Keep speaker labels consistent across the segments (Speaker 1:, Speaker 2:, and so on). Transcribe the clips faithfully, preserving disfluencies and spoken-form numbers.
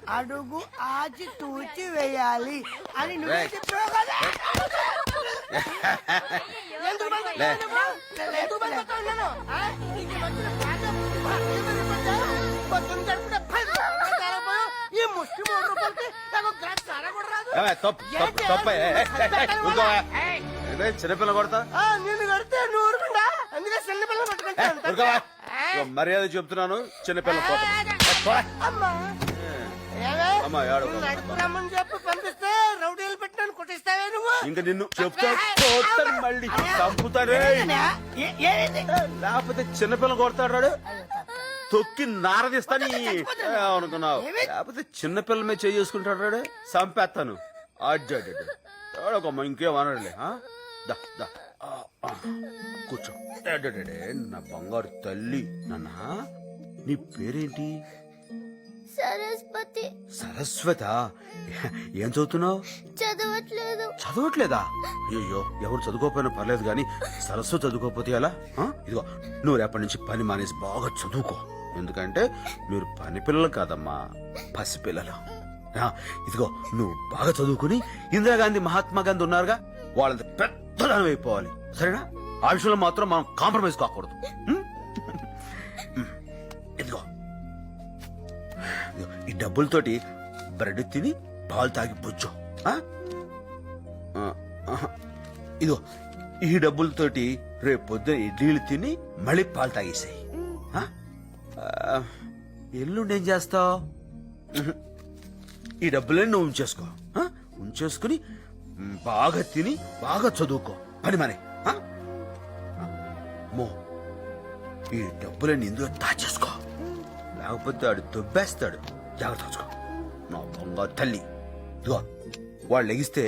Speaker 1: అడుగు ఆచి తూచి వేయాలి అని నువ్వే చెప్పావు కదా. ఎందుకు భయపడ్డావు నువ్వు? ఎందుకు భయపడ్డావు నన్ను? ఆ? నీకు వచ్చిన బాధ పొద్దున్న గడుపున పది రూపాయలు తాగపోయావు. ఈ ముష్టి మూడు రూపాయలకి నాకు గ్లాస్ తాగ కూడా రాదు.
Speaker 2: చిన్నపిల్ల కొడతా
Speaker 1: నిన్ను కడితే నువ్వు ఊరుకుండా అందుకే చిన్నపిల్ల పట్టుకుంటా.
Speaker 2: మర్యాద చెప్తున్నాను. చిన్నపిల్ల
Speaker 1: నడుపురమ్మని చెప్పి పంపిస్తే రౌడీలు పెట్టినాను కొట్టిస్తావే నువ్వు.
Speaker 2: ఇంకా నిన్ను చెప్తా మళ్ళీ చంపుతానే. లేకపోతే చిన్నపిల్ల కొడతాడు తొక్కి నారదిస్తాని అనుకున్నావు. లేకపోతే చిన్నపిల్ల మీద చేసుకుంటాడు చంపేస్తాను. అడ్డమ్మ ఇంకేమనలే. కూర్చో. నా బంగారు తల్లి. నాన్న నీ పేరేంటి?
Speaker 3: సరస్వతి.
Speaker 2: సరస్వత. ఏం చదువుతున్నావు?
Speaker 3: చదవట్లేదు.
Speaker 2: చదవట్లేదా? అయ్యో ఎవరు చదువుకోకపోయినా పర్లేదు గాని సరస్వతి చదువుకోకపోతే ఎలా? ఇదిగో నువ్వు రేపటి నుంచి పని మానేసి బాగా చదువుకో. ఎందుకంటే మీరు పని పిల్లలు కాదమ్మా, పసిపిల్లలు. ఇదిగో నువ్వు బాగా చదువుకుని ఇందిరాగాంధీ మహాత్మా గాంధీ ఉన్నారుగా వాళ్ళంత పెద్దదానం అయిపోవాలి. సరేనా? ఆ విషయంలో మాత్రం మనం కాంప్రమైజ్ కాకూడదు. ఇదిగో ఈ డబ్బులతోటి బ్రెడ్ తిని పాలు తాగి బుజ్జో. ఇదిగో ఈ డబ్బులతోటి రేపు పొద్దున ఇడ్లీలు తిని మళ్ళీ పాలు తాగేసాయి. ఎల్లుండి ఏం చేస్తావు? ఈ డబ్బులన్నీ నువ్వు ఉంచేసుకో. ఉంచేసుకుని బాగా తిని బాగా చదువుకో. పని మనే మో ఈ డబ్బులన్నీ ఇందులో దాచేసుకో. లేకపోతే ఆడు దొబ్బేస్తాడు. జాగ్రత్త చూసుకో నా బంగారు తల్లి. ఇదిగో వాళ్ళు లెగిస్తే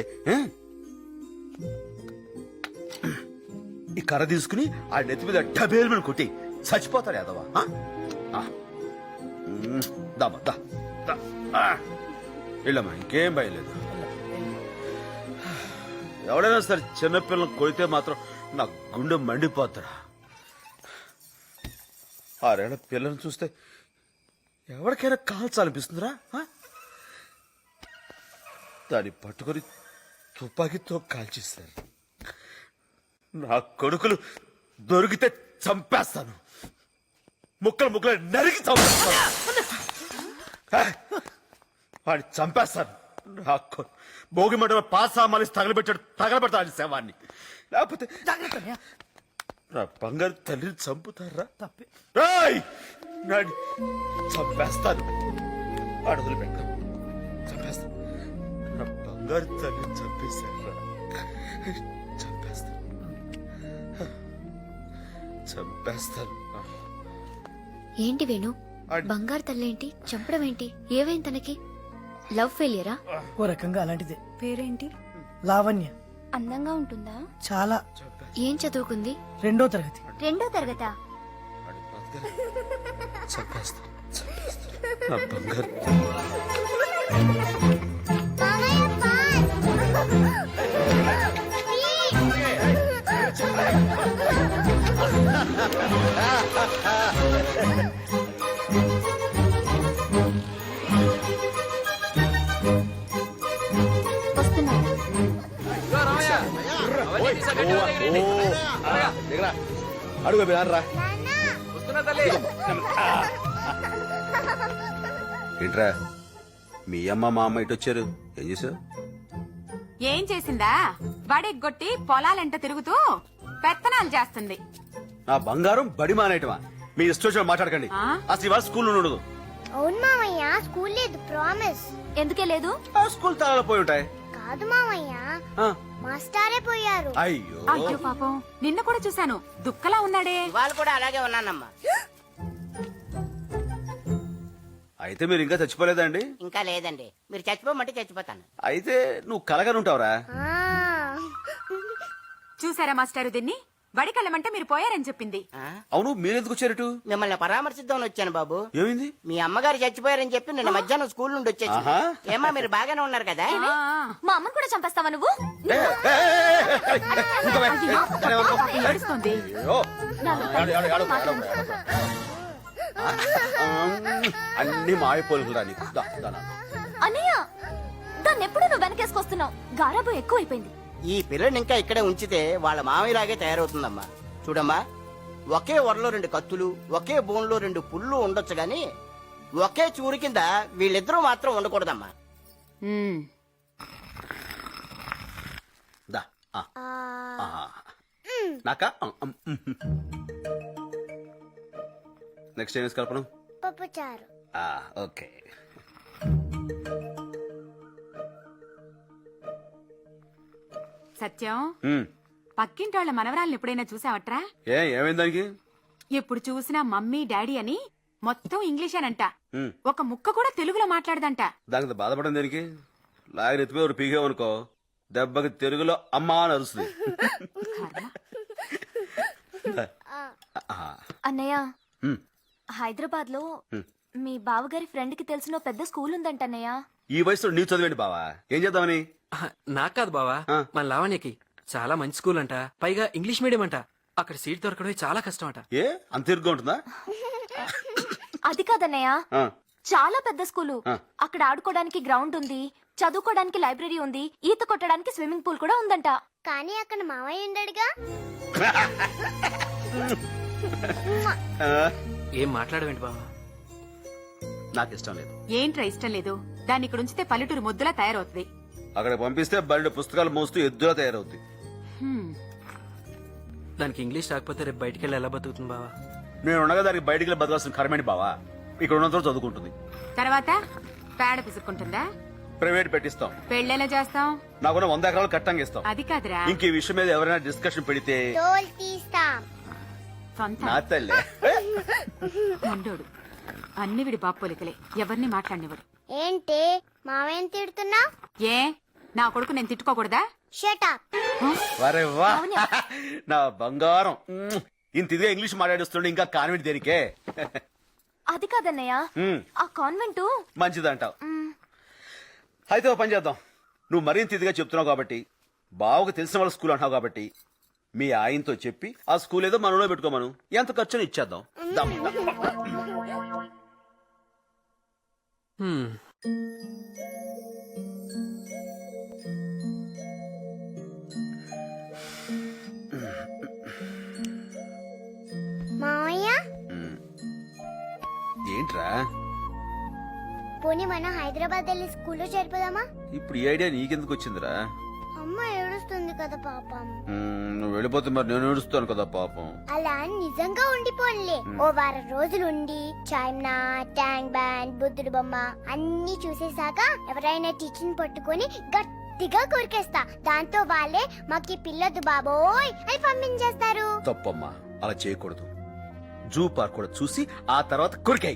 Speaker 2: ఈ కర్ర తీసుకుని ఆ నెత్తి మీద డబేలు మీద కొట్టి చచ్చిపోతాడు యాదవా. దామా దా వెళ్ళమ్మా, ఇంకేం భయలేదు. ఎవడైనా సరే చిన్నపిల్లలను కొడితే మాత్రం నా గుండె మండిపోతాడా. ఆరేళ్ల పిల్లల్ని చూస్తే ఎవరికైనా కాల్చాలనిపిస్తుందిరా. దాన్ని పట్టుకొని తుపాకీతో కాల్చేస్తారు. నా కొడుకులు దొరికితే చంపేస్తాను. ముక్కలు ముక్కలు నరికి చంపేస్తాను. వాడిని చంపేస్తాను. నా భోగి మంటలో పాసా మలిసి తగలబెట్టాడు తగలబెడతాడు శవాన్ని. లేకపోతే నా బంగారు తల్లిని చంపుతారా? తప్పే నాని చంపేస్తాను. అడుగులు పెట్టాను. చంపేస్తాను. నా బంగారు తల్లిని చంపేశారా? చంపేస్తాను. చంపేస్తాను.
Speaker 3: ఏంటి వేణు, బంగారు తల్లేంటి చంపడం ఏంటి? ఏవైంది తనకి? లవ్ ఫెయిలియరా?
Speaker 1: ఓ రకంగా అలాంటిదే.
Speaker 4: పేరేంటి?
Speaker 1: లావణ్య.
Speaker 4: అందంగా ఉంటుందా?
Speaker 1: చాలా.
Speaker 3: ఏం చదువుకుంది?
Speaker 1: రెండో తరగతి.
Speaker 3: రెండో తరగతా?
Speaker 2: చంపేస్తాను. చంపేస్తాను. నా బంగారు అడుగు రా. ఏంట్రా మీ అమ్మ మా అమ్మ ఇటు వచ్చారు? ఏం చేసావు?
Speaker 5: ఏం చేసిందా? బడెగ్గొట్టి పొలాలెంట తిరుగుతూ పెత్తనాలు చేస్తుంది.
Speaker 2: నా బంగారం బడి మానేయటమా? మీ ఇష్టం మాట్లాడకండి. అసలు ఇవాళ స్కూల్ ఉండదు.
Speaker 3: అవును మామయ్య, స్కూల్ లేదు. ప్రామిస్. ఎందుకే లేదు?
Speaker 2: స్కూల్ తాళాలు పోయి ఉంటాయి.
Speaker 3: కాదు మామయ్య, మాస్టారే పోయారు.
Speaker 2: అయ్యో
Speaker 5: అయ్యో పాపం, నిన్న కూడా చూశాను దుక్కలా ఉన్నాడే.
Speaker 1: వాళ్ళు కూడా అలాగే ఉన్నానమ్మా.
Speaker 2: అయితే మీరు ఇంకా చచ్చిపోలేదండి?
Speaker 1: ఇంకా లేదండి. మీరు చచ్చిపోమంటే చచ్చిపోతాను.
Speaker 2: అయితే నువ్వు కలగానే ఉంటావురా.
Speaker 5: చూసారా మాస్టారు దీన్ని? బడికెళ్ళమంటే మీరు పోయారని చెప్పింది.
Speaker 2: అవును, మీరెందుకు వచ్చారటు?
Speaker 1: మిమ్మల్ని పరామర్శిద్దామని వచ్చాను బాబు.
Speaker 2: ఏమైంది?
Speaker 1: మీ అమ్మగారు చచ్చిపోయారని చెప్పి నిన్న మధ్యాహ్నం స్కూల్ నుండి వచ్చేసి. ఏమా మీరు బాగానే ఉన్నారు కదా?
Speaker 3: మా అమ్మని కూడా చంపేస్తావా నువ్వు?
Speaker 5: ఏడుస్తోంది.
Speaker 2: అన్ని మాయపోలుకురా నీకు దా, దా, దా.
Speaker 3: అన్నయ్య దాన్ని ఎప్పుడు నువ్వు వెనకేసుకొస్తున్నావు గారాబు ఎక్కువైపోయింది.
Speaker 1: ఈ పిల్లని ఇంకా ఇక్కడే ఉంచితే వాళ్ళ మామయ్యలాగే తయారవుతుందమ్మా. చూడమ్మా, ఒకే వరలో రెండు కత్తులు, ఒకే బోన్లో రెండు పుళ్ళు ఉండొచ్చు గాని ఒకే చూరు కింద వీళ్ళిద్దరూ మాత్రం ఉండకూడదమ్మా.
Speaker 5: ఉమ్,
Speaker 2: దా ఆ. ఆ. నాకా నెక్స్ట్ ఏం కల్పన?
Speaker 4: పప్పుచారు.
Speaker 2: ఆ, ఓకే.
Speaker 5: సత్యం
Speaker 2: ఉమ్.
Speaker 5: పక్కింటి వాళ్ళ మనవరాలను ఎప్పుడైనా చూసావట్రా?
Speaker 2: ఏ ఏమైంది దానికి?
Speaker 5: ఎప్పుడు చూసినా మమ్మీ డాడీ అని మొత్తం ఇంగ్లీషేనంట.
Speaker 2: ఉమ్.
Speaker 5: ఒక ముక్క కూడా తెలుగులో మాట్లాడదంట.
Speaker 2: దానికి బాధపడడం దేనికి? లాగిన ఎత్తిపోయి ఒకటి పీకేవనుకో దెబ్బకి తెలుగులో అమ్మా అని అరుస్తుంది. ఆ.
Speaker 3: అన్నయ్య
Speaker 2: ఉమ్.
Speaker 3: హైదరాబాద్ లో
Speaker 2: హ్మ్.
Speaker 3: మీ బావగారి ఫ్రెండ్ కి తెలిసిన ఓ పెద్ద స్కూల్ ఉందంట అన్నయ్య.
Speaker 2: ఈ వయసులో నీ చదివేండి బావా? ఏం చేద్దామని?
Speaker 6: ఆహా, నాకు కాదు బావా,
Speaker 2: ఆ.
Speaker 6: మన లావణ్యకి చాలా మంచి స్కూల్ అంట, పైగా ఇంగ్లీష్ మీడియం అంట. అక్కడ సీట్ దొరకడం చాలా కష్టం అంట.
Speaker 2: ఏ అంత ఇరుగ్గా ఉంటుందా?
Speaker 3: అది కాదన్నయ్య,
Speaker 2: ఆ.
Speaker 3: చాలా పెద్ద స్కూలు.
Speaker 2: ఆ.
Speaker 3: అక్కడ ఆడుకోవడానికి గ్రౌండ్ ఉంది, చదువుకోవడానికి లైబ్రరీ ఉంది, ఈత కొట్టడానికి స్విమ్మింగ్ పూల్ కూడా ఉందంట.
Speaker 4: కానీ అక్కడ మామయ్య ఉండడుగా.
Speaker 2: ఆ,
Speaker 6: ఏం మాట్లాడవేంటి బావా?
Speaker 2: నాకు ఇష్టం లేదు.
Speaker 5: ఏంట్రా ఇష్టం లేదు? దాన్ని ఇక్కడ ఉంచితే పల్లెటూరు ముద్దులా తయారవుతుంది.
Speaker 2: అక్కడ పంపిస్తే బయట పుస్తకాలు మోస్తూ ఎద్దులా తయారవుద్ది.
Speaker 5: హ్మ్.
Speaker 6: దానికి ఇంగ్లీష్ రాకపోతే రేపు బయటికి వెళ్ళి ఎలా బతుకుతుంది బావా?
Speaker 2: నేను ఉండగా దానికి బయటికి వెళ్ళి బతకాల్సిన కర్మేంటి బావా? ఇక్కడ ఉన్నంత చదువుకుంటుంది.
Speaker 5: తర్వాత పేడ పిసుక్కుంటుందా?
Speaker 2: ప్రైవేట్ పెట్టిస్తాం.
Speaker 5: పెళ్ళెలా చేస్తాం?
Speaker 2: నాకున్న వంద ఎకరాలు కట్టంగా ఇస్తాం.
Speaker 5: అది కాదురా,
Speaker 2: ఇంక ఈ విషయం మీద ఎవరైనా డిస్కషన్ పెడితే
Speaker 4: తోలు తీస్తాం.
Speaker 5: సొంత
Speaker 2: నా తల్లే.
Speaker 5: మండోడు. అన్ని విడి బాపోలికలే, ఎవరిని మాట్లాడినవాడు.
Speaker 4: ఏంటి మామయ్యని తిడుతున్నావ్?
Speaker 5: ఏ నా కొడుకు నేను తిట్టుకోకూడదా?
Speaker 4: Shut up.
Speaker 2: వరే వా, నా బంగారం. మ్మ్. ఇంత ఇదిగా ఇంగ్లీష్ మాట్లాడిస్తుండే ఇంకా కాన్వెంట్ దేనికే?
Speaker 3: అది కాదన్నయ్య,
Speaker 2: మ్మ్.
Speaker 3: ఆ కాన్వెంట్
Speaker 2: మంచిదంటావు. అయితే ఓ పని చేద్దాం. నువ్వు మరింత ఇదిగా చెప్తున్నావు కాబట్టి, బావకు తెలిసిన వాళ్ళ స్కూల్ అంటున్నావు కాబట్టి, మీ ఆయనతో చెప్పి ఆ స్కూల్ ఏదో మనలో పెట్టుకోమను. ఎంత ఖర్చుని ఇచ్చేద్దాం. దమ్, దమ్.
Speaker 6: హ్మ్.
Speaker 4: మామయ్య,
Speaker 2: మ్మ్. ఏంట్రా
Speaker 4: పోనీ మనం హైదరాబాద్ వెళ్ళి స్కూల్లో చేరిపోదామా?
Speaker 2: ఇప్పుడు ఈ ఐడియా నీకెందుకు వచ్చిందిరా?
Speaker 4: అమ్మ ఏడుస్తుంది కదా పాపం.
Speaker 2: మ్మ్, నువ్వు వెళ్ళిపోతే మరి నేను ఏడుస్తాను కదా పాపం.
Speaker 4: అలా అని నిజంగా ఉండిపోన్లే. ఓ వారం రోజులు ఉండి చాయ్నా, ట్యాంక్ బ్యాండ్, బుద్ధుడు బొమ్మ అన్ని చూసేసాక ఎవరైనా టీచర్ పట్టుకొని గట్టిగా కొరికేస్తా. దాంతో వాళ్ళే మాకి పిల్లదు బాబోయ్ అని పంపించేస్తారు.
Speaker 2: తప్పమ్మా, అలా చేయకూడదు. జూ పార్క్ కూడా చూసి ఆ తర్వాత కొరికాయి.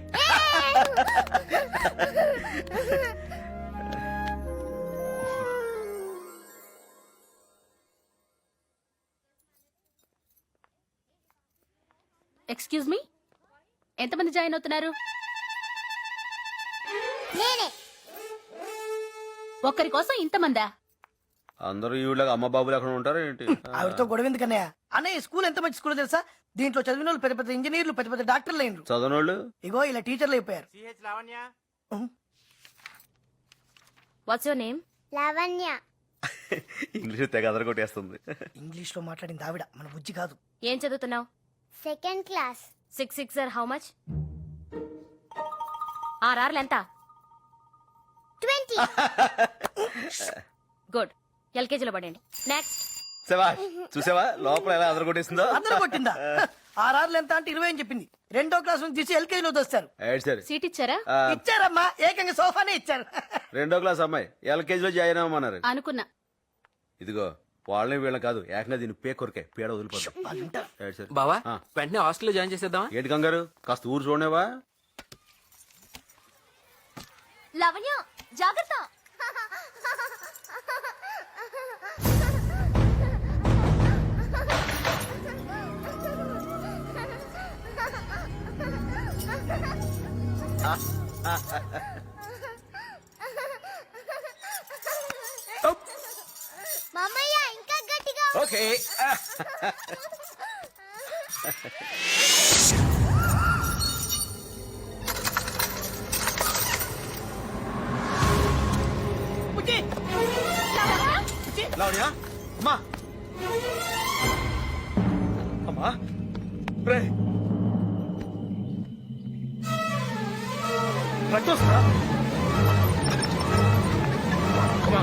Speaker 7: ఎక్స్క్యూజ్ మీ, ఎంతమంది జాయిన్ అవుతున్నారు?
Speaker 4: నేనే.
Speaker 7: ఒక్కరి కోసం ఇంతమందా?
Speaker 2: అందరూ ఈవిడగా అమ్మ బాబులు ఎక్కడ ఉంటారు ఏంటి?
Speaker 8: ఆవిడతో గొడవ ఎందుకన్నయ్య? అన్నయ్య స్కూల్ ఎంత మంచి స్కూల్ తెలుసా? దీంట్లో చదివిన వాళ్ళు పెద్ద పెద్ద ఇంజనీర్లు, పెద్ద పెద్ద డాక్టర్లు అయినరు.
Speaker 2: చదవనోళ్ళు
Speaker 8: ఇగో ఇలా టీచర్లు అయిపోయారు.
Speaker 7: What's your name?
Speaker 4: Lavanya.
Speaker 2: English తెగ అదరగొట్టేస్తుంది.
Speaker 8: ఇంగ్లీష్ లో మాట్లాడింది ఆవిడ, మన బుజ్జి కాదు.
Speaker 7: ఏం చదువుతున్నావు?
Speaker 4: Second class.
Speaker 7: Six six R how much? ఆర్ఆర్లు ఎంత?
Speaker 4: ట్వంటీ.
Speaker 7: గుడ్, ఎల్కేజీలో పడండి. నెక్స్ట్.
Speaker 2: సేవా చూసావా లోపల ఎలా అదరగొట్టేసిందో?
Speaker 8: అందరూ కొట్టిందా? ఆర్ఆర్లు ఎంత అంటే ఇరవై అని చెప్పింది. రెండో క్లాస్ నుంచి తీసి ఎల్కేజీలో దోస్తారు.
Speaker 2: ఏడు సరే.
Speaker 7: సీట్ ఇచ్చారా?
Speaker 2: ఆ,
Speaker 8: ఇచ్చారమ్మా, ఏకంగా సోఫానే ఇచ్చారు.
Speaker 2: రెండో క్లాస్ అమ్మాయి ఎల్కేజీలో జాయిన్ అవ్వమన్నారు.
Speaker 7: అనుకున్నా.
Speaker 2: ఇదిగో వాళ్ళని వీళ్ళని కాదు, ఏకంగా దీన్ని పే కొరకే పేడ వదిలిపోతాం.
Speaker 8: వాళ్ళుంటారు.
Speaker 2: ఏడు సరే.
Speaker 6: బావా,
Speaker 2: ఆ.
Speaker 6: వెంటనే హాస్టల్లో జాయిన్ చేసేద్దామా?
Speaker 2: ఏంటి కంగారు? కాస్త ఊరు చూడనేవా?
Speaker 3: లవణ్య జాగ్రత్త.
Speaker 4: మామయ్య ఇంకా గట్టిగా.
Speaker 2: ఓకే. లావణ్య అమ్మా అమ్మా రే రక్తం వస్తుందా? అమ్మా.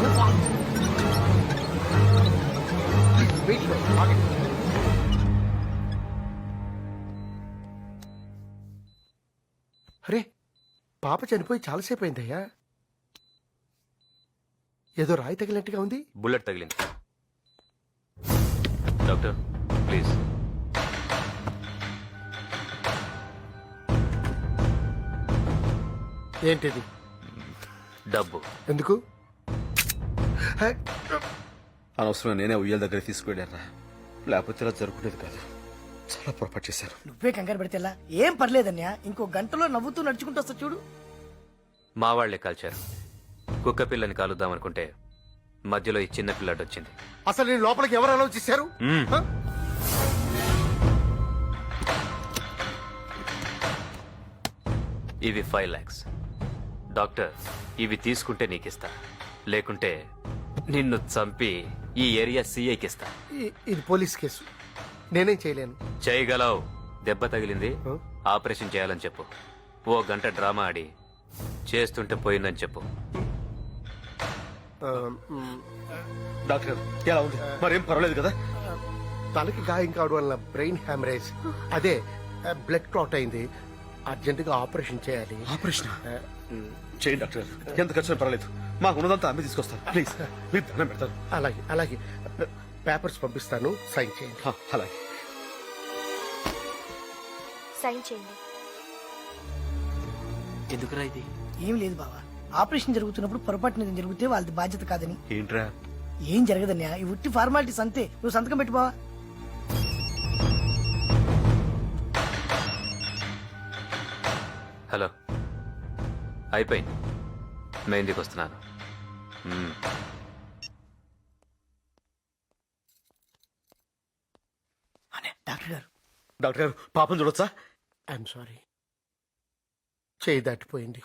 Speaker 2: వెయిట్, ఆగండి.
Speaker 9: అరే పాప చనిపోయి చాలాసేపు అయిందయ్యా. ఏదో రాయి తగిలినట్టుగా ఉంది.
Speaker 10: బుల్లెట్ తగిలింది. Doctor please.
Speaker 9: ఏంటిది?
Speaker 10: డబ్బు.
Speaker 9: ఎందుకు? హే,
Speaker 2: అనవసరం నేనే ఉయ్యాల దగ్గర తీసుకువెళ్ళారా, లేకపోతే ఇలా జరుగుతుంది కాదు. చాలా పొరపాటు చేశారు.
Speaker 8: నువ్వే కంగారు పెడితే ఎలా? ఏం పర్లేదన్యా, ఇంకో గంటలో నవ్వుతూ నడుచుకుంటూ వస్తా చూడు.
Speaker 10: మా వాళ్లే కాల్చారు. కుక్క పిల్లని కాలుద్దామనుకుంటే మధ్యలో ఈ చిన్న పిల్లాడు వచ్చింది.
Speaker 9: అసలు నేను లోపలికి ఎవరు అలౌ చేశారు?
Speaker 10: మ్మ్.
Speaker 9: హ?
Speaker 10: ఇవి ఫైవ్ లాక్స్. డాక్టర్ ఇవి తీసుకుంటే నీకిస్తా, లేకుంటే నిన్ను చంపి ఈ ఏరియా సీఐకి ఇస్తా.
Speaker 9: ఇ- ఇది పోలీస్ కేసు, నేనేం చేయలేను.
Speaker 10: చేయగలవు. దెబ్బ తగిలింది,
Speaker 9: హ?
Speaker 10: ఆపరేషన్ చేయాలని చెప్పు. ఓ గంట డ్రామా ఆడి చేస్తుంటే పోయిందని చెప్పు.
Speaker 9: ఆ, మ్,
Speaker 2: డాక్టర్ ఎలా ఉంది? మరేం పర్వాలేదు కదా?
Speaker 9: తలకి గాయం కావడం వల్ల బ్రెయిన్ హ్యామరేజ్, అదే బ్లడ్ క్లాట్ అయింది. అర్జెంట్ గా ఆపరేషన్ చేయాలి.
Speaker 2: ఆపరేషన్
Speaker 9: ఆ, మ్,
Speaker 2: చేయండి డాక్టర్, ఎంత ఖర్చు పర్వాలేదు. మాకు ఉన్నదంతా అమ్మి తీసుకొస్తాను. ప్లీజ్ మీరు దండం పెడతారు.
Speaker 9: అలాగే అలాగే పేపర్స్ పంపిస్తాను, సైన్ చేయండి.
Speaker 2: హ, అలాగే.
Speaker 3: సైన్ చేయండి.
Speaker 6: ఎందుకురా ఇది?
Speaker 8: ఏం లేదు బావా, ఆపరేషన్ జరుగుతున్నప్పుడు పొరపాటున ఏదైనా జరిగితే వాళ్ళది బాధ్యత కాదని.
Speaker 2: ఏంట్రా?
Speaker 8: ఏం జరగదన్యా, ఈ ఉట్టి ఫార్మాలిటీస్ అంతే. నువ్వు సంతకం పెట్టు బావా.
Speaker 10: హలో, అయిపోయింది. మెహందీకి వస్తున్నాను. మ్మ్.
Speaker 8: అనే డాక్టర్ గారు,
Speaker 2: డాక్టర్ గారు పాపం చూడొచ్చా?
Speaker 9: ఐఎమ్ సారీ, చేయి దాటిపోయింది.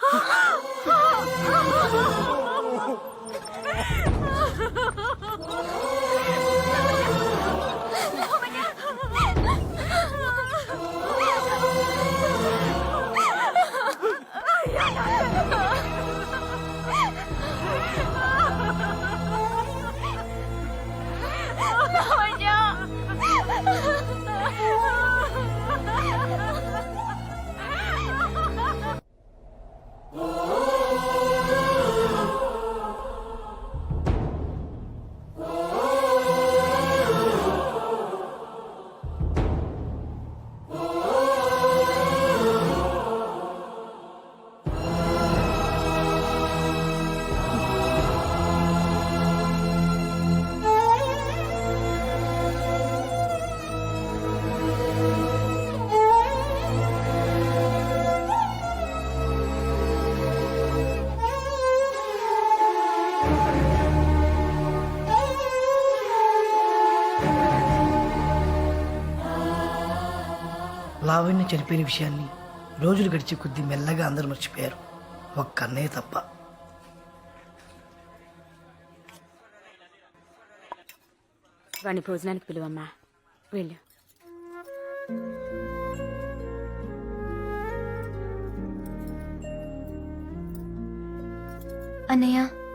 Speaker 8: లావణ్య చనిపోయిన విషయాన్ని రోజులు గడిచే కొద్దీ మెల్లగా అందరూ మర్చిపోయారు, ఒక్క అన్నయ్య తప్ప.
Speaker 5: వాణ్ణి భోజనానికి పిలువమ్మా, వెళ్ళు.
Speaker 3: అన్నయ్య,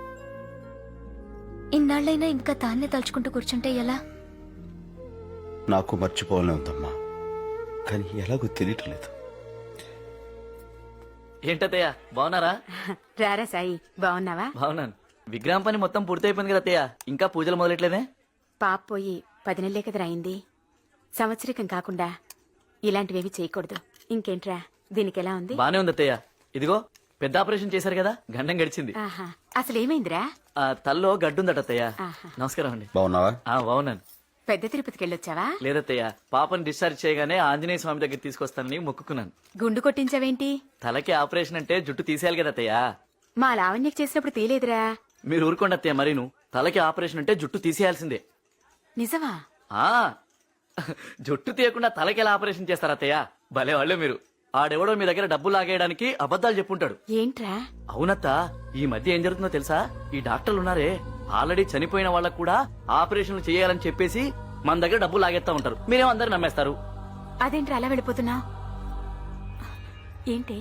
Speaker 3: ఇన్నాళ్ళైనా ఇంకా తాన్నే తలుచుకుంటూ కూర్చుంటే ఎలా?
Speaker 2: నాకు మర్చిపోవాలని ఉందమ్మా, కానీ ఎలాగో తెలియట్లేదు.
Speaker 11: ఏంటత్తయ్య బాగున్నారా?
Speaker 5: రారా సాయి, బాగున్నావా?
Speaker 11: బాగున్నాను. విగ్రహం పని మొత్తం పూర్తయిపోయింది కదా అత్తయ్య, ఇంకా పూజలు మొదలెట్లేదే?
Speaker 5: పాప పోయి పది నెలలే కదరా అయింది. సంవత్సరికం కాకుండా ఇలాంటివేవి చేయకూడదు. ఇంకేంట్రా, దీనికి ఎలా ఉంది?
Speaker 11: బానే ఉంది అత్తయ్య. ఇదిగో పెద్ద ఆపరేషన్ చేశారు కదా, గండం గడిచింది.
Speaker 5: ఆహా, అసలు ఏమైందిరా?
Speaker 11: ఆ తల్లో గడ్డుందట అత్తయ్య.
Speaker 5: ఆహా.
Speaker 11: నమస్కారం అండి.
Speaker 2: బాగున్నావా?
Speaker 11: ఆ బాగున్నాను.
Speaker 5: పెద్ద తిరుపతికి వెళ్ళొచ్చావా?
Speaker 11: లేదత్తయ్య, పాపని డిశ్చార్జ్ చేయగానే ఆంజనేయ స్వామి దగ్గర తీసుకొస్తానని మొక్కుకున్నాను.
Speaker 5: గుండు కొట్టించావేంటి?
Speaker 11: తలకి ఆపరేషన్ అంటే జుట్టు తీసేయాలి కదా అత్తయ్య.
Speaker 5: మా లావణ్యకి చేసినప్పుడు తీలేదురా.
Speaker 11: మీరు ఊరుకోండి అత్తయ్య, మరీను తలకి ఆపరేషన్ అంటే జుట్టు తీసేయాల్సిందే.
Speaker 5: నిజమా?
Speaker 11: ఆ జుట్టు తీయకుండా తలకి ఎలా ఆపరేషన్ చేస్తారా అత్తయ్య? భలే వాళ్ళే మీరు. ఆడెవడో మీ దగ్గర డబ్బు లాగేయడానికి అబద్ధాలు చెప్పుంటాడు.
Speaker 5: ఏంట్రా?
Speaker 11: అవునత్త, ఈ మధ్య ఏం జరుగుతుందో తెలుసా? ఈ డాక్టర్లు ఉన్నారే, ఆల్రెడీ చనిపోయిన వాళ్ళకు కూడా ఆపరేషన్లు చేయాలని చెప్పేసి మన దగ్గర డబ్బులు లాగేస్తా ఉంటారు. మీరేమో అందరు నమ్మేస్తారు.
Speaker 5: అదేంటి అలా వెళ్ళిపోతున్నా ఏంటి?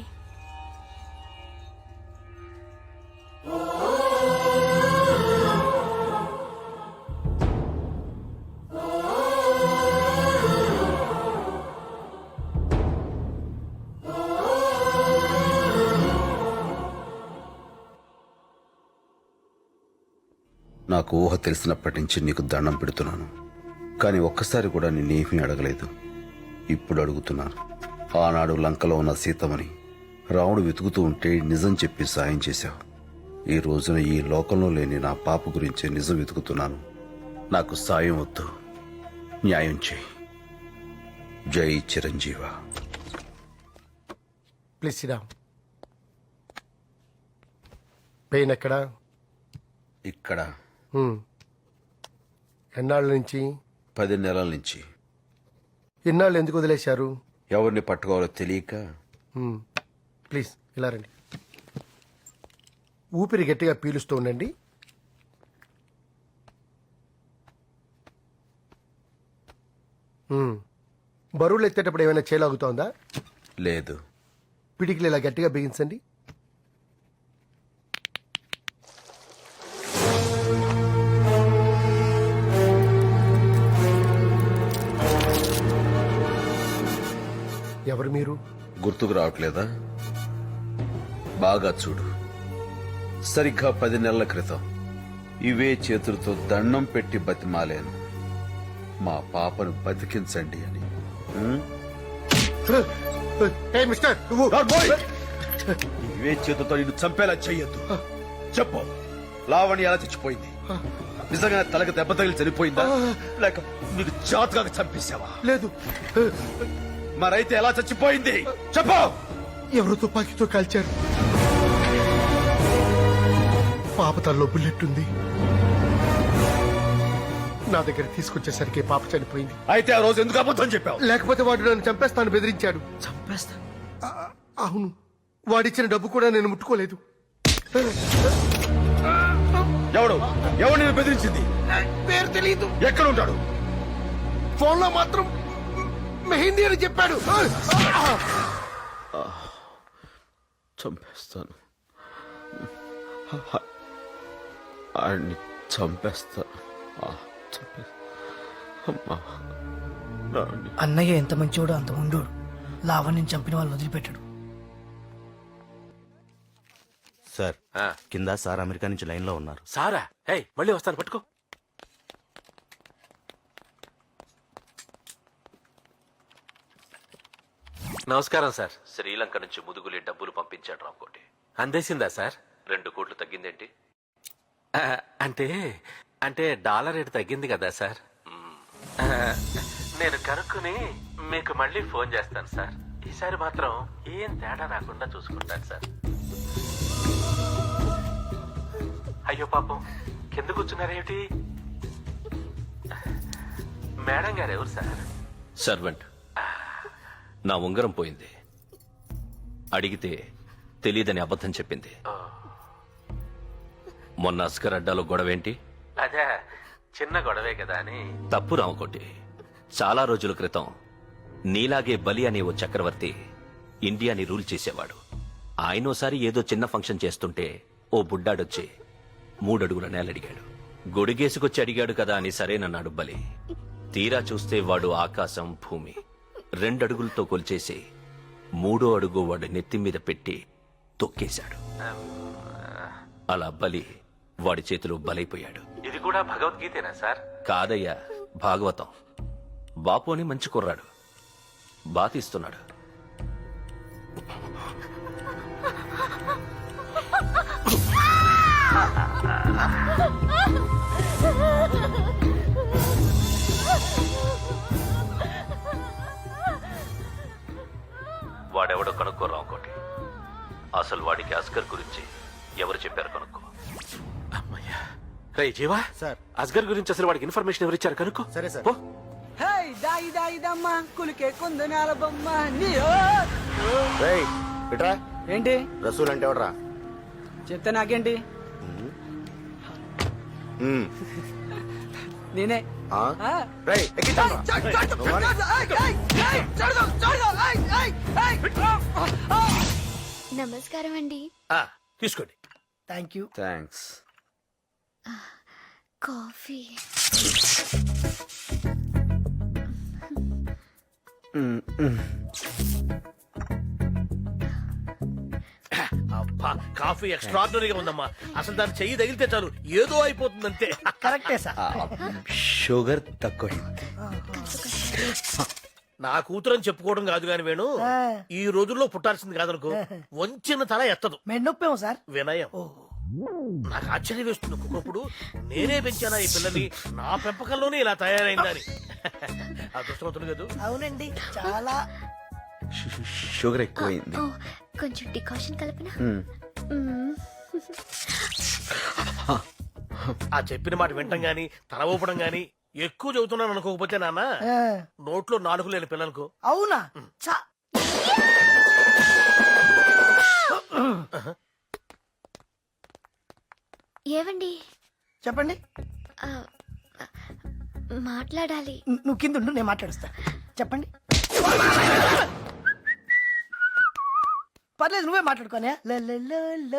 Speaker 2: నాకు ఊహ తెలిసినప్పటి నుంచి నీకు దండం పెడుతున్నాను, కానీ ఒక్కసారి కూడా నిన్నేమీ అడగలేదు. ఇప్పుడు అడుగుతున్నాను. ఆనాడు లంకలో ఉన్న సీతమని రాముడు వెతుకుతూ ఉంటే నిజం చెప్పి సాయం చేశావు. ఈ రోజున ఈ లోకంలో లేని నా పాప గురించి నిజం వెతుకుతున్నాను. నాకు సాయం వద్దు, న్యాయం చేయి. జై చిరంజీవ.
Speaker 9: ప్లీజ్ సిడా. పెయిన్ ఎక్కడా?
Speaker 2: ఇక్కడ
Speaker 9: హ్మ్. ఎన్నాళ్ళ నుంచి?
Speaker 2: పది నెలల నుంచి.
Speaker 9: ఎన్నాళ్ళు ఎందుకు వదిలేశారు?
Speaker 2: ఎవరిని పట్టుకోవాలో తెలియక.
Speaker 9: హ్మ్. ప్లీజ్ ఇలా రండి. ఊపిరి గట్టిగా పీలుస్తూ ఉండండి. హ్మ్. బరువులు ఎత్తేటప్పుడు ఏమైనా చేలాగుతోందా?
Speaker 2: లేదు.
Speaker 9: పిడికిలు ఇలా గట్టిగా బిగించండి. ఎవరు మీరు?
Speaker 2: గుర్తుకు రావట్లేదా? బాగా చూడు. సరిగ్గా పది నెలల క్రితం ఇవే చేతులతో దండం పెట్టి బతిమాలేను, మా పాపను బతికించండి అని. ఉం?
Speaker 9: ఏ మిస్టర్, నువ్వు
Speaker 2: ఇవే చేతులతో నిన్ను చంపేలా చెయ్యొద్దు. చెప్పు, లావణ్య ఎలా చచ్చిపోయింది? నిజంగా తలకు దెబ్బ తగిలి చనిపోయిందా, లేక నీకు జాతకాగా చంపేశావా?
Speaker 9: లేదు.
Speaker 2: మరైతే ఎలా చచ్చిపోయింది చెప్పు.
Speaker 9: ఎవరు తుపాకీతో కాల్చారు. పాప తల్లో బుల్లెట్ ఉంది. నా దగ్గర తీసుకొచ్చేసరికి పాప చనిపోయింది.
Speaker 2: అయితే ఆ రోజు ఎందుకు అబద్ధం చెప్పావు?
Speaker 9: లేకపోతే వాడు నన్ను చంపేస్తాను బెదిరించాడు.
Speaker 2: చంపేస్తా?
Speaker 9: అవును, వాడిచ్చిన డబ్బు కూడా నేను ముట్టుకోలేదు.
Speaker 2: ఎవడు ఎవడు నేను బెదిరించింది?
Speaker 9: పేరు తెలియదు.
Speaker 2: ఎక్కడ ఉంటాడు?
Speaker 9: ఫోన్ లో మాత్రం మెహిందీ అని చెప్పాడు.
Speaker 2: చంపేస్తాను, ఆడిని చంపేస్తాను.
Speaker 8: అన్నయ్య ఎంత మంచివాడో అంత ఉండోడు. లావణ్యం చంపిన వాళ్ళు వదిలిపెట్టాడు.
Speaker 12: సార్, కింద సార్ అమెరికా నుంచి లైన్ లో ఉన్నారు.
Speaker 6: సారా? హే, మళ్ళీ వస్తాను, పట్టుకో. నమస్కారం సార్.
Speaker 10: శ్రీలంక నుంచి ముదుగులే డబ్బులు పంపించాడు రామకోటి.
Speaker 6: అందేసిందా సార్?
Speaker 10: రెండు కోట్లు తగ్గిందేంటి?
Speaker 6: ఆ, అంటే అంటే డాలర్ రేటు తగ్గింది కదా సార్. ఆ, నేను కనుక్కుని మీకు మళ్ళీ ఫోన్ చేస్తాను సార్. ఈసారి మాత్రం ఏం తేడా రాకుండా చూసుకుంటాను సార్. అయ్యో పాపం, కింద కూర్చున్నారేమిటి? మేడం గారు ఎవరు సార్?
Speaker 10: సర్వెంట్. నా ఉంగరం పోయింది, అడిగితే తెలియదని అబద్ధం చెప్పింది. మొన్న అస్కర్ అడ్డాలో గొడవేంటి?
Speaker 6: అదే చిన్న గొడవే కదా అని.
Speaker 10: తప్పు రామకోటి. చాలా రోజుల క్రితం నీలాగే బలి అనే ఓ చక్రవర్తి ఇండియాని రూల్ చేసేవాడు. ఆయనోసారి ఏదో చిన్న ఫంక్షన్ చేస్తుంటే ఓ బుడ్డాడొచ్చి మూడడుగుల నేలడిగాడు. గొడిగేసుకొచ్చి అడిగాడు కదా అని సరేనన్నాడు బలి. తీరా చూస్తే వాడు ఆకాశం భూమి రెండడుగులతో కొలిచేసి మూడో అడుగు వాడు నెత్తి మీద పెట్టి తొక్కేశాడు. అలా బలి వాడి చేతిలో బలైపోయాడు.
Speaker 6: ఇది కూడా భగవద్గీతేనా సార్?
Speaker 10: కాదయ్యా, భాగవతం. బాపు అని మంచి కుర్రాడు, బాతిస్తున్నాడు. వాడెవడో కనుక్కోరా ఇంకోటి. అసలు వాడికి అస్గర్ గురించి ఎవరు చెప్పారు కనుక్కో.
Speaker 6: అమ్మయ్యా. రే జీవా సార్, అస్గర్ గురించి అసలు వాడికి ఇన్ఫర్మేషన్ ఎవరు ఇచ్చారు కనుక్కో.
Speaker 12: సరే సార్.
Speaker 6: పో.
Speaker 12: ఏంటి రసూల్ అంటే ఎవడరా?
Speaker 8: చెప్తే నాకేంటి?
Speaker 12: మ్మ్.
Speaker 8: నేనే
Speaker 12: ఆ? రేయ్, ఎక్కించండ్రా. నువ్వు రా.
Speaker 3: నమస్కారం అండి.
Speaker 9: ఆ, తీసుకోండి.
Speaker 8: Thank you.
Speaker 2: థ్యాంక్స్.
Speaker 3: కాఫీ.
Speaker 9: అబ్బా, కాఫీ ఎక్స్ట్రాడినరీగా ఉందమ్మా. అసలు దాన్ని చెయ్యి తగిలితే చాలు ఏదో అయిపోతుందంతే.
Speaker 8: కరెక్టే సార్.
Speaker 2: షుగర్ తక్కువ.
Speaker 9: నా కూతురు అని చెప్పుకోవడం కాదు గాని వేణు, ఈ రోజుల్లో పుట్టాల్సింది కాదనుకో. వంచిన తల ఎత్తదు.
Speaker 8: మెన్నొప్పేమో సార్.
Speaker 9: వినయం. నాకు ఆశ్చర్యం వేస్తుంది ఒక్కొక్కప్పుడు. నేనే పెంచానా ఈ పిల్లని, నా పెంపకంలోనే ఇలా తయారైందని. అదృష్టవంతులు కదా.
Speaker 8: అవునండి, చాలా.
Speaker 2: షుగర్ ఎక్కువైంది.
Speaker 3: ఓ, కొంచెం డికాషన్ కలపనా?
Speaker 2: మ్మ్.
Speaker 3: మ్మ్.
Speaker 9: ఆ చెప్పిన మాట వింటం గాని తల ఊపడం గాని ఎక్కువ చదువుతున్నాను అనుకోకపోతే నాన్న,
Speaker 8: ఆ,
Speaker 9: నోట్లో నాలుగు లేని పిల్లలకు
Speaker 8: అవునా? చా.
Speaker 3: ఏవండి?
Speaker 8: చెప్పండి.
Speaker 3: ఆ, మాట్లాడాలి.
Speaker 8: ను- నువ్వు కింద ఉండు, నేను మాట్లాడుస్తా. చెప్పండి. పర్లేదు, నువ్వే మాట్లాడుకోనే. ల ల ల ల.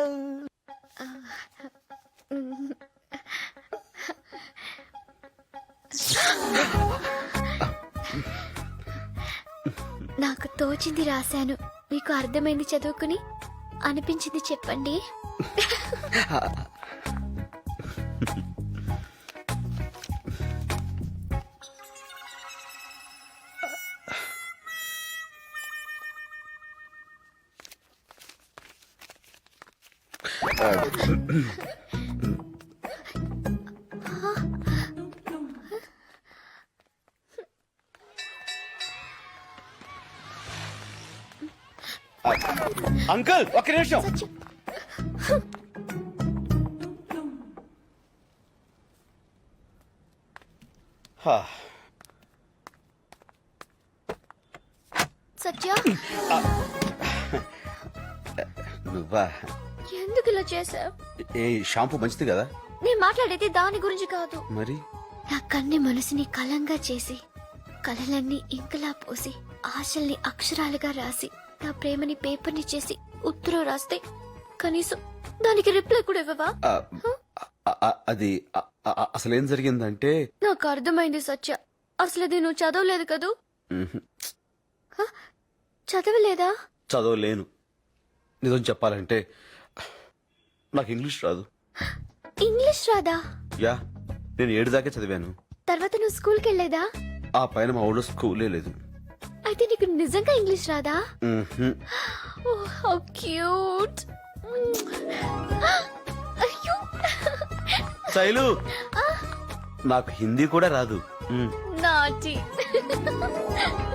Speaker 3: నాకు తోచింది రాశాను, మీకు అర్థమైంది చదువుకుని, అనిపించింది చెప్పండి.
Speaker 2: అంకుల్ ఒక్క నిమిషం. హా.
Speaker 3: సత్య,
Speaker 2: నువ్వా?
Speaker 3: ఎందుకు ఇలా చేసావు?
Speaker 2: ఏ షాంపూ మంచిది కదా?
Speaker 3: నేను మాట్లాడేది దాని గురించి కాదు.
Speaker 2: మరి
Speaker 3: నా కన్ని మనసుని కలంగా చేసి, కలలన్నీ ఇంకలా పోసి, ఆశల్ని అక్షరాలుగా రాసి, నా ప్రేమని పేపర్ని చేసి ఉత్తరం రాస్తే కనీసం దానికి రిప్లై కూడా ఇవ్వవా?
Speaker 2: ఆ, ఆ, ఆ, అది ఆ, ఆ, అసలేం జరిగిందంటే
Speaker 3: నాకు అర్థమైంది సత్య. అసలు అది నువ్వు చదవలేదు కదూ?
Speaker 2: మ్హూ.
Speaker 3: హ? చదవలేదా?
Speaker 2: చదవలేను. నిజం చెప్పాలంటే నాకు ఇంగ్లీష్ రాదు.
Speaker 3: ఇంగ్లీష్ రాదా?
Speaker 2: యా, నేను ఏడు దాకా చదివాను.
Speaker 3: తర్వాత నువ్వు స్కూల్కి వెళ్ళేదా?
Speaker 2: ఆ పైన మా ఊళ్ళో స్కూలే లేదు.
Speaker 3: అయితే నీకు నిజంగా ఇంగ్లీష్ రాదా?
Speaker 2: మ్హూ.
Speaker 3: Oh, how cute. అయ్యో.
Speaker 2: శైలు, నాకు హిందీ కూడా రాదు. మ్.
Speaker 3: Naughty.